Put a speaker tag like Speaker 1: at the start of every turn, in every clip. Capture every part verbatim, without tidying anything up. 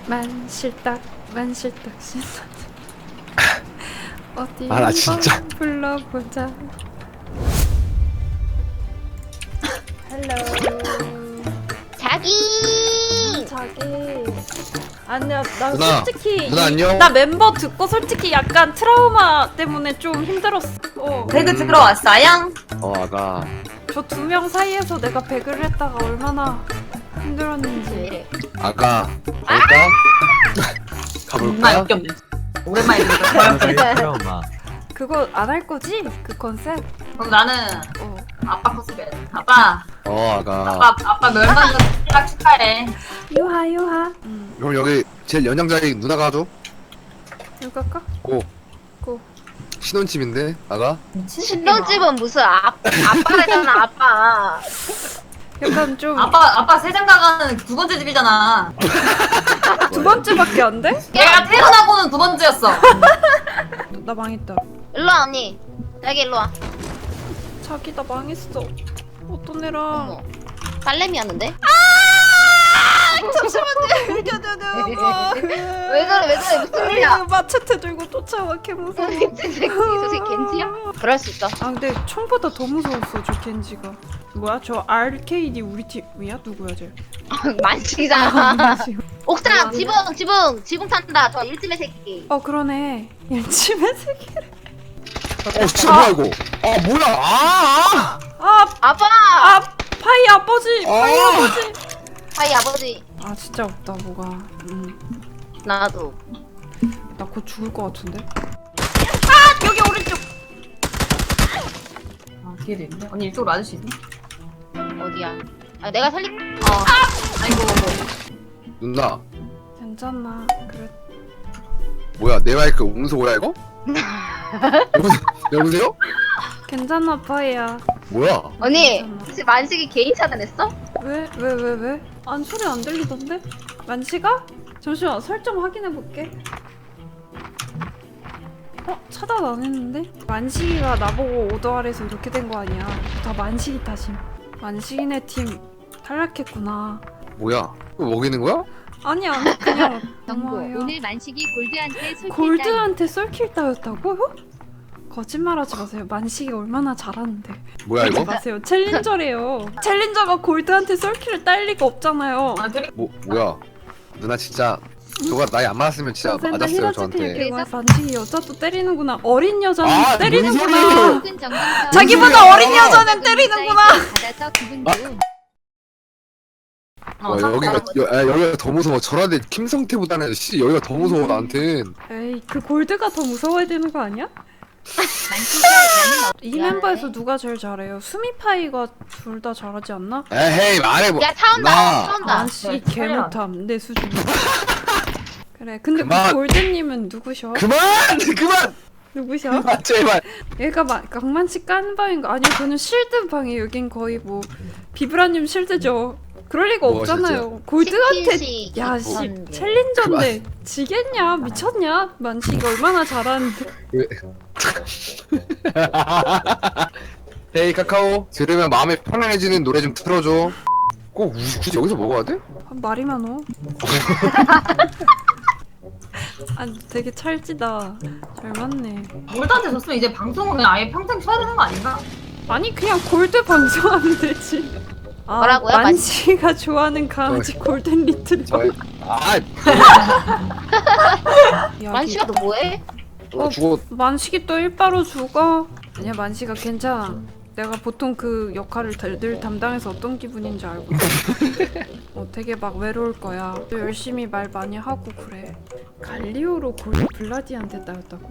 Speaker 1: 만실딱 만실딱 신나자. 어디
Speaker 2: 아, 나 진짜.
Speaker 1: 한번 불러보자. 헬로.
Speaker 3: 자기.
Speaker 1: 자기. 아니야, 나
Speaker 2: 누나,
Speaker 1: 솔직히
Speaker 2: 누나
Speaker 1: 이-
Speaker 2: 안녕?
Speaker 1: 나 멤버 듣고 솔직히 약간 트라우마 때문에 좀 힘들었어. 어.
Speaker 4: 배그 들어왔어요?
Speaker 2: 어 아가
Speaker 1: 저 두 명 사이에서 내가 배그를 했다가 얼마나 힘들었는지.
Speaker 2: 아가 갈까?
Speaker 4: 정말
Speaker 2: 가볼까?
Speaker 4: 웃겼네. 오랜만에 들었어.
Speaker 5: 트라우마.
Speaker 1: 그거 안 할 거지? 그 컨셉?
Speaker 4: 그럼 나는
Speaker 1: 어.
Speaker 4: 아빠 컨셉이야. 아빠,
Speaker 2: 어 아가
Speaker 4: 아빠, 아빠 멸망 딱 축하해.
Speaker 1: 유하 유하. 응.
Speaker 2: 그럼 여기 제일 연장자리 누나가 하죠?
Speaker 1: 이거 할까?
Speaker 2: 고
Speaker 1: 고.
Speaker 2: 신혼집인데 아가?
Speaker 3: 신혼집은 무슨 아, 아빠래잖아 아빠.
Speaker 1: 약간 좀 두
Speaker 4: 아빠, 아빠 세장가가는 두 번째 집이잖아.
Speaker 1: 번째밖에 안 돼?
Speaker 4: 내가 태어나고는 두 번째였어.
Speaker 1: 나 망했다.
Speaker 3: 일로와 언니. 여기 일로와.
Speaker 1: 자기 나 망했어. 어떤 애랑?
Speaker 3: 어머. 딸내미였는데?
Speaker 1: 잠시만요. 이겨내려.
Speaker 3: 왜 그래 왜 그래 무슨 일이야?
Speaker 1: 마체테 들고 쫓아와 개 무서워.
Speaker 3: 저 새끼 저 새끼 겐지야? 그럴 수 있어.
Speaker 1: 아 근데 처음보다 더 무서웠어 저 겐지가. 뭐야 저 알케이디 우리 팀이야? 누구야 쟤?
Speaker 3: 만식이잖아.
Speaker 1: 지금.
Speaker 3: 옥상 지붕 지붕 지붕 탄다. 저 일집의 새끼.
Speaker 1: 어 그러네. 일침의 세계를.
Speaker 2: 어 진짜 뭐야 이거? 아 뭐야? 아!
Speaker 1: 아,
Speaker 3: 아빠.
Speaker 1: 아 파이 아버지.
Speaker 2: 아!
Speaker 1: 파이 아버지.
Speaker 3: 하이 아버지.
Speaker 1: 아 진짜 없다 뭐가. 음.
Speaker 3: 나도.
Speaker 1: 나 곧 죽을 것 같은데.
Speaker 4: 여기 오른쪽. 아, 뒤에도 있네. 언니 이쪽으로 와줄 수 있니?
Speaker 3: 어디야? 아 내가 살리. 어.
Speaker 4: 아이고.
Speaker 2: 누나
Speaker 1: 괜찮아. 그래.
Speaker 2: 뭐야 내 마이크 음소거야 이거? 여보세요? 여보세요?
Speaker 1: 괜찮아 파이야.
Speaker 2: 뭐야?
Speaker 3: 언니
Speaker 1: 괜찮아.
Speaker 3: 혹시 만식이 개인 차단했어?
Speaker 1: 왜? 왜? 왜? 왜? 안 소리 안 들리던데? 만시가? 잠시만 설정 확인해 볼게. 어? 차단 안 했는데? 만식이가 나보고 오더하래서 이렇게 된 거 아니야. 다 만식이 탓임. 만식이네 팀 탈락했구나.
Speaker 2: 뭐야? 이거 먹이는 거야?
Speaker 1: 아니야 그냥
Speaker 6: 정보
Speaker 1: 고마워요.
Speaker 6: 오늘 만식이 골드한테 솔깃
Speaker 1: 골드한테 썰킬 따였다고요? 거짓말하지 마세요. 만식이 얼마나 잘하는데.
Speaker 2: 뭐야
Speaker 1: 하지
Speaker 2: 이거?
Speaker 1: 마세요. 챌린저래요. 챌린저가 골드한테 썰킬을 딸 리가 없잖아요.
Speaker 4: 아, 그래?
Speaker 2: 뭐 뭐야? 누나 진짜 저가 나이 안 많았으면 진짜
Speaker 1: 선생님,
Speaker 2: 맞았어요
Speaker 1: 히라츠테
Speaker 2: 저한테.
Speaker 1: 얘기해. 만식이 여자도 때리는구나. 어린 여자는
Speaker 2: 아, 뭔
Speaker 1: 때리는구나.
Speaker 2: 소리예요?
Speaker 6: 혹은 정상서
Speaker 1: 자기보다 어린 여자는 때리는구나.
Speaker 6: 받아서 기분 좋음.
Speaker 4: 어,
Speaker 2: 와,
Speaker 4: 사-
Speaker 2: 여기가
Speaker 4: 사람
Speaker 2: 여, 아, 여기가 더 무서워. 저런데 김성태보다는 씨 여기가 더 무서워 나한텐.
Speaker 1: 에이 그 골드가 더 무서워야 되는 거 아니야?
Speaker 6: 만식아 나는
Speaker 1: 이 멤버에서 누가 제일 잘해요? 수미파이가 둘 다 잘하지 않나?
Speaker 2: 에헤이 말해 뭐.
Speaker 3: 야 차온다.
Speaker 2: 누나.
Speaker 3: 차온다.
Speaker 1: 만식
Speaker 4: 네,
Speaker 1: 개못함 내 수준. 그래 근데
Speaker 2: 그만.
Speaker 1: 그 골드님은 누구셔?
Speaker 2: 그만 그만
Speaker 1: 누구셔?
Speaker 2: 그만 제발.
Speaker 1: 얘가 막 강만식 까는 방인가? 아니요 저는 실드 방이에요. 여긴 거의 뭐 비브라님 실드죠. 그럴 리가
Speaker 2: 뭐,
Speaker 1: 없잖아요. 골드한테
Speaker 3: 치킨식
Speaker 1: 야씨
Speaker 3: 이천개.
Speaker 1: 챌린저인데 지겠냐? 미쳤냐? 만식이 얼마나 잘하는데.
Speaker 2: 왜? 헤이 카카오 들으면 마음이 편안해지는 노래 좀 틀어줘. 꼭 우- 굳이 여기서 먹어야 돼?
Speaker 1: 아, 말이 많어. 아 되게 찰지다. 잘 맞네.
Speaker 4: 골드한테 졌으면 이제 방송은 아예 평생 쉬어야 되는 거 아닌가?
Speaker 1: 아니 그냥 골드 방송하면 되지. 아,
Speaker 3: 뭐라고요?
Speaker 1: 만식이가 좋아하는 강아지 골든 리트리버.
Speaker 2: 저 아,
Speaker 3: 만식아 너 뭐해?
Speaker 2: 어, 죽어.
Speaker 1: 만식이 또 일바로 죽어. 아니야 만식아 괜찮아. 내가 보통 그 역할을 다- 늘 담당해서 어떤 기분인지 알고. 어 되게 막 외로울 거야. 또 열심히 말 많이 하고 그래. 갈리오로 골드 블라디한테 따였다고?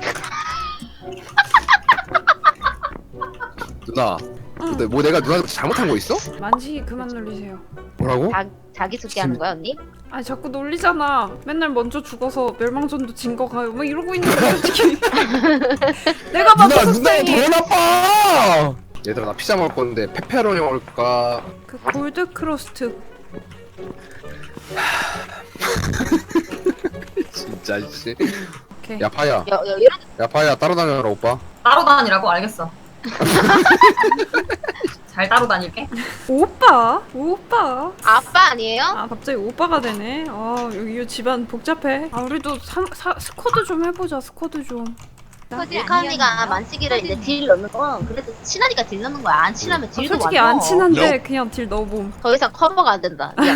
Speaker 2: 누나. 근데 뭐 내가 누나한테 잘못한 거 있어?
Speaker 1: 만식이 그만 놀리세요.
Speaker 2: 뭐라고?
Speaker 3: 자, 자기소개하는 거야 언니?
Speaker 1: 아니 자꾸 놀리잖아. 맨날 먼저 죽어서 멸망전도 진 거 가요. 뭐 이러고 있는데 솔직히. 내가
Speaker 2: 누나
Speaker 1: 봐도
Speaker 2: 누나
Speaker 1: 속상해.
Speaker 2: 더 나빠. 얘들아 나 피자 먹을 건데 페페로니 먹을까?
Speaker 1: 그 골드 크러스트
Speaker 2: 진짜 씨.
Speaker 1: 오케이.
Speaker 2: 야파야.
Speaker 3: 여, 여, 이런
Speaker 2: 야파야 따라다녀라 오빠.
Speaker 4: 따로 다니라고 알겠어. 잘 따로 다닐게.
Speaker 1: 오빠? 오빠?
Speaker 3: 아빠 아니에요?
Speaker 1: 아 갑자기 오빠가 되네. 아 여기 이 집안 복잡해. 아 우리도 삼, 사, 스쿼드 좀 해보자. 스쿼드 좀.
Speaker 6: 스쿼드
Speaker 3: 밀카 언니가
Speaker 6: 아니었나요?
Speaker 3: 만식이를 이제
Speaker 6: 스쿼드.
Speaker 3: 딜 넣는 건 그래도 친하니까 딜 넣는 거야. 안 친하면
Speaker 1: 아,
Speaker 3: 딜도
Speaker 1: 솔직히
Speaker 3: 안
Speaker 1: 안
Speaker 3: 넣어.
Speaker 1: 친한데 그냥 딜 넣어봄.
Speaker 3: 더 이상 커버가 안 된다. 미안.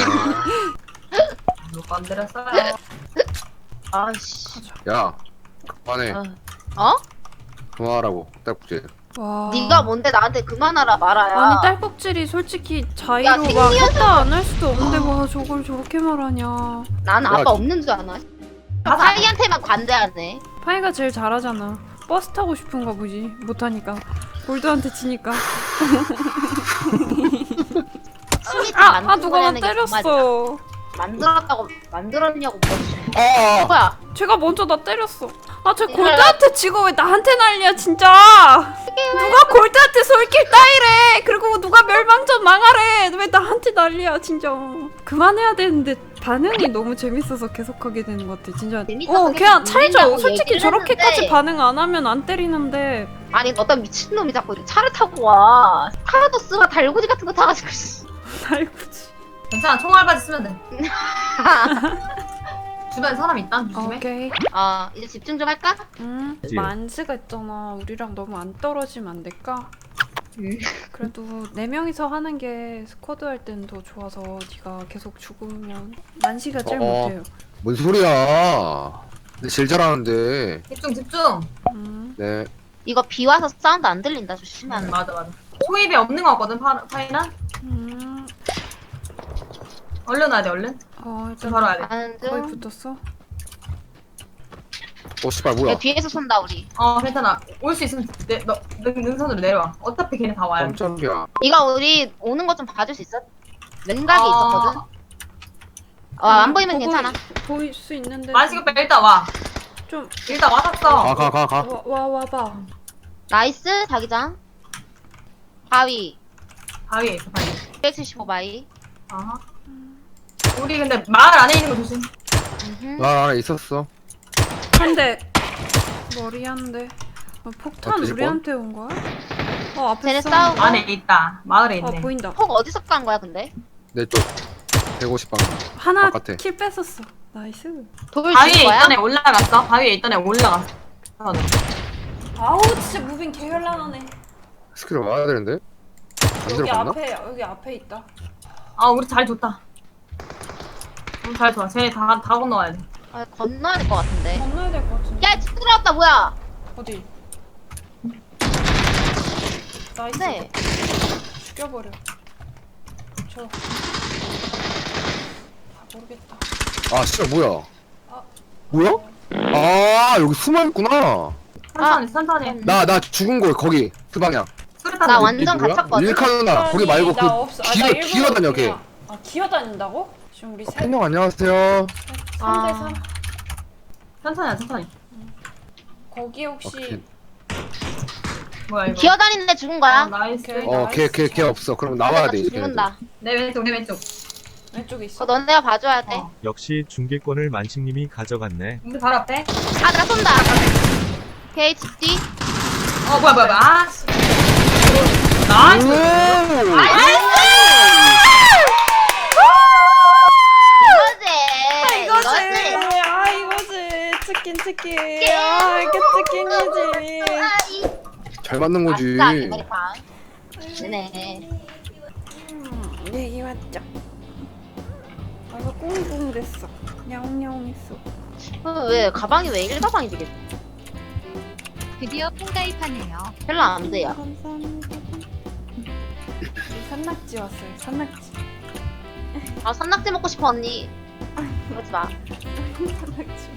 Speaker 4: 못 건드렸어요.
Speaker 3: 아씨.
Speaker 2: 야 그만해.
Speaker 3: 어? 어?
Speaker 2: 그만하라고 딸꾹질.
Speaker 1: 와.
Speaker 3: 네가 뭔데 나한테 그만하라 말아야.
Speaker 1: 아니 딸꾹질이 솔직히 자의로
Speaker 3: 야,
Speaker 1: 막
Speaker 3: 생리현상-
Speaker 1: 했다 안 할 수도 없는데 와 저걸 저렇게 말하냐.
Speaker 3: 나는
Speaker 2: 야,
Speaker 3: 아빠 없는 줄 아나?
Speaker 4: 가서
Speaker 3: 사이한테만 관대하네.
Speaker 1: 파이가 제일 잘하잖아. 버스 타고 싶은가 보지. 못하니까. 골드한테 지니까.
Speaker 3: 심이
Speaker 1: 아, 아
Speaker 3: 만든
Speaker 1: 누가 나
Speaker 3: 거라는 게 정말
Speaker 1: 때렸어.
Speaker 3: 만들었다고 만들었냐고 뭐.
Speaker 2: 아
Speaker 3: 뭐야?
Speaker 1: 제가 먼저 나 때렸어. 아, 저
Speaker 3: 이거야.
Speaker 1: 골드한테 지고 왜 나한테 난리야, 진짜. 누가 골드한테 솔길 따이래. 그리고 누가 멸망전 망하래. 왜 나한테 난리야, 진짜. 그만해야 되는데 반응이 너무 재밌어서 계속하게 되는 것 같아, 진짜.
Speaker 3: 재밌어서
Speaker 1: 어, 그냥
Speaker 3: 계속
Speaker 1: 찰져.
Speaker 3: 놀린다고
Speaker 1: 솔직히
Speaker 3: 얘기를
Speaker 1: 저렇게까지
Speaker 3: 했는데.
Speaker 1: 반응 안 하면 안 때리는데.
Speaker 3: 아니 어떤 미친놈이 자꾸 차를 타고 와. 카라도스가 달고지 같은 거 타가지고. 씨.
Speaker 1: 달구지.
Speaker 4: 괜찮아. 총알바지 쓰면 돼. 주변에 사람 있다. 조심해.
Speaker 1: 오케이.
Speaker 3: 아 이제 집중 좀 할까?
Speaker 1: 음, 만즈가 있잖아. 우리랑 너무 안 떨어지면 안 될까?
Speaker 3: 음.
Speaker 1: 그래도 네 명이서 하는 게 스쿼드 할 때는 더 좋아서 네가 계속 죽으면 만시가 제일
Speaker 2: 어.
Speaker 1: 못해요.
Speaker 2: 뭔 소리야. 근데 제일 잘하는데.
Speaker 4: 집중 집중.
Speaker 1: 음.
Speaker 2: 네.
Speaker 3: 이거 비 와서 사운드 안 들린다
Speaker 4: 음,
Speaker 3: 조심하는.
Speaker 4: 맞아 맞아. 초입에 없는 거 같거든 파, 파이나?
Speaker 1: 음.
Speaker 4: 얼른 와야 돼 얼른.
Speaker 1: 어,
Speaker 4: 지금
Speaker 1: 일단
Speaker 4: 바로 와야 돼.
Speaker 3: 가는
Speaker 1: 거의
Speaker 3: 중.
Speaker 1: 붙었어.
Speaker 2: 어 씨발
Speaker 3: 야,
Speaker 2: 뭐야.
Speaker 3: 뒤에서 쏜다 우리.
Speaker 4: 어 괜찮아. 올 수 있으면 내, 너, 능, 능선으로 내려와. 어차피 걔네 다 와요.
Speaker 2: 깜짝이야.
Speaker 3: 이거 우리 오는 거 좀 봐줄 수 있어? 왼각이
Speaker 4: 아.
Speaker 3: 있었거든. 어, 안 보이면
Speaker 1: 보고
Speaker 3: 괜찮아.
Speaker 1: 보일 수 있는데.
Speaker 4: 만식 오빠 일단 와.
Speaker 1: 좀
Speaker 4: 일단 와봤어.
Speaker 2: 가 가 가 가.
Speaker 1: 와, 와 와봐.
Speaker 3: 나이스 자기장. 바위.
Speaker 4: 바위에 있어 바위.
Speaker 3: 백칠십오 바위.
Speaker 4: 아하. 우리 근데 마을 안에 있는 거 조심.
Speaker 3: 음흠.
Speaker 2: 나 안에 있었어.
Speaker 1: 한 대. 머리 한 대. 어, 폭탄
Speaker 2: 어, 뒤질
Speaker 1: 우리한테 온 거야? 어 앞에
Speaker 3: 쟤네
Speaker 1: 싸우고.
Speaker 3: 싸우고.
Speaker 4: 안에 있다. 마을에
Speaker 1: 어
Speaker 4: 있네.
Speaker 1: 보인다.
Speaker 3: 폭 어디서 간 거야 근데?
Speaker 2: 내 쪽. 백오십 방.
Speaker 1: 하나
Speaker 2: 바깥에.
Speaker 1: 킬 뺐었어. 나이스.
Speaker 3: 돌
Speaker 4: 바위에
Speaker 3: 죽은 거야?
Speaker 4: 있던 애 올라갔어. 바위에 있던 애 올라갔어.
Speaker 1: 아우 진짜 무빙 개현란하네.
Speaker 2: 스킬 와야 되는데. 안
Speaker 1: 여기
Speaker 2: 들어갔나?
Speaker 1: 앞에 여기 앞에 있다.
Speaker 4: 아 우리 잘 좋다. 우리 잘 좋아. 쟤네 다, 다 건너와야 돼.
Speaker 3: 아, 건너야 될 것 같은데.
Speaker 1: 건너야 될 것 같은데.
Speaker 3: 야, 집 들어왔다 뭐야?
Speaker 1: 어디? 나이스.
Speaker 3: 네.
Speaker 1: 죽여버려. 저. 아 모르겠다.
Speaker 2: 아 씨발 뭐야.
Speaker 1: 아.
Speaker 2: 뭐야? 아 여기 숨어 있구나.
Speaker 4: 천천히 천천히.
Speaker 2: 나 나 죽은 거 거기 그 방향.
Speaker 4: 수류탄
Speaker 3: 나
Speaker 4: 던지-
Speaker 3: 완전
Speaker 2: 뭐야?
Speaker 3: 갇혔거든.
Speaker 2: 일카 누나 거기 말고
Speaker 1: 나 없어.
Speaker 2: 그
Speaker 1: 아, 나
Speaker 2: 기어
Speaker 1: 일부러
Speaker 2: 기어 다녀 걔.
Speaker 1: 그냥- 아 기어다닌다고? 지금 우리 세
Speaker 2: 형 안녕하세요.
Speaker 1: 삼 대
Speaker 3: 아.
Speaker 1: 삼.
Speaker 4: 천천히 천천히.
Speaker 1: 거기 혹시
Speaker 2: 오케이.
Speaker 4: 뭐야 이거.
Speaker 3: 기어다니는 애 죽은
Speaker 4: 아,
Speaker 3: 거야?
Speaker 4: 나이스.
Speaker 1: 오케이.
Speaker 2: 어걔 걔 걔 없어. 그럼 나와야 돼 이제. 걔네들.
Speaker 3: 죽는다.
Speaker 4: 내 왼쪽 내 왼쪽.
Speaker 1: 왼쪽에 있어?
Speaker 3: 그거 너네가 봐줘야 돼.
Speaker 4: 어.
Speaker 5: 역시 중계권을 만식님이 가져갔네.
Speaker 4: 우리 바로 앞에.
Speaker 3: 아, 나 쏜다. 오케이, 집 뒤.
Speaker 4: 어 뭐야 뭐야 뭐야. 아 씨. 나이스.
Speaker 2: 오!
Speaker 3: 이거지.
Speaker 1: 이거지.
Speaker 3: 이거지.
Speaker 1: 아 이거지. 치킨 치킨. 아 이게 치킨이지.
Speaker 3: 아, 이-
Speaker 2: 잘 맞는 거지.
Speaker 3: 아싸, 이머리빵. 네네.
Speaker 1: 음, 얘기 맞죠? 아 이거 꽁꽁 됐어. 야옹야옹했어.
Speaker 3: 어, 왜 가방이 왜 일가방이 되겠지?
Speaker 6: 드디어 폰 가입하네요.
Speaker 3: 별로 안 돼요.
Speaker 1: 감사합니다. 산낙지 왔어요. 산낙지.
Speaker 3: 아, 산낙지 먹고 싶어 언니. 그러지 마.
Speaker 1: 산낙지.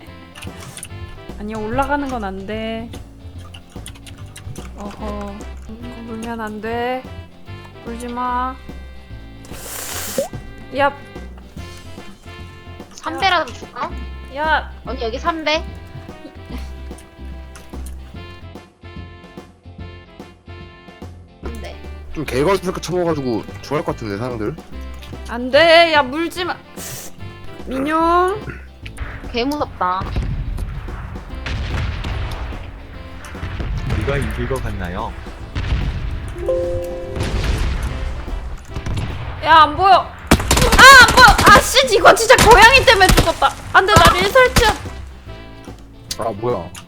Speaker 1: 아니야 올라가는 건 안 돼. 어허. 이거 물면 안 돼. 물지 마. 야,
Speaker 3: 삼 배라도 줄까?
Speaker 1: 야.
Speaker 3: 언니 여기 삼 배. 네.
Speaker 2: 좀 개걸스럽게 쳐먹어가지고 좋아할 것 같은데 사람들.
Speaker 1: 안 돼. 야 물지 마. 민용.
Speaker 3: 개 무섭다.
Speaker 5: 우리가 이길 것 같나요?
Speaker 1: 야, 안 보여. 아, 안 보여. 아, 씨, 이거 진짜 고양이 때문에 죽었다. 안 돼, 나 릴설치야.
Speaker 2: 아 뭐야